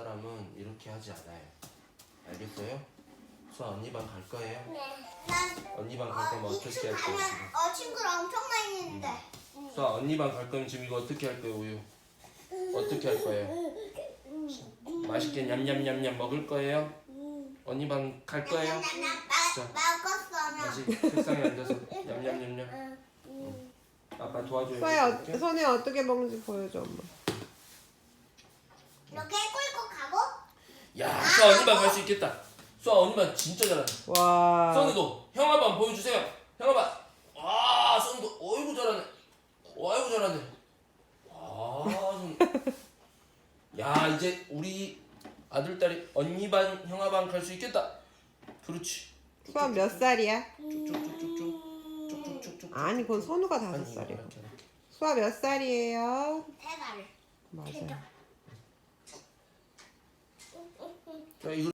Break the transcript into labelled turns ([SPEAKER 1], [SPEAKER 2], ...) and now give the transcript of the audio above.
[SPEAKER 1] 사람은 이렇게 하지 않아요. 알겠어요? 수아 언니 방 갈 거예요?
[SPEAKER 2] 네. 난
[SPEAKER 1] 언니 방 갈 거면 어떻게 할 거예요?
[SPEAKER 2] 가면 친구를 엄청 많이 있는데.
[SPEAKER 1] 지금? 수아 언니 방 갈 거면 지금 이거 어떻게 할 거예요, 우유? 어떻게 할 거예요? 맛있게 냠냠냠냠 먹을 거예요? 언니 방 갈 거예요? 자.
[SPEAKER 2] 먹었어.
[SPEAKER 1] 다시 책상에 앉아서 냠냠냠냠. 아빠 도와줘요.
[SPEAKER 3] 수아야 손에 어떻게 먹는지 보여줘 엄마.
[SPEAKER 2] 이렇게 꿀꺽 가고.
[SPEAKER 1] 야, 수아 언니 방 갈 수 있겠다. 수아 언니 방 진짜 잘한다.
[SPEAKER 3] 와.
[SPEAKER 1] 선우도 형아 방 보여주세요. 형아 방. 와, 선우도 어이구 잘하네. 어이구 잘하네. 와, 선우. 야, 이제 우리 아들 딸이 언니 반 형아 방 갈 수 있겠다. 그렇지.
[SPEAKER 3] 수아 몇 살이야?
[SPEAKER 1] 쭉쭉쭉쭉쭉. 쭉쭉쭉쭉.
[SPEAKER 3] 아니 그건 선우가 5살이야. 수아 몇 살이에요?
[SPEAKER 2] 3살.
[SPEAKER 3] 맞아요.
[SPEAKER 1] 자, 이거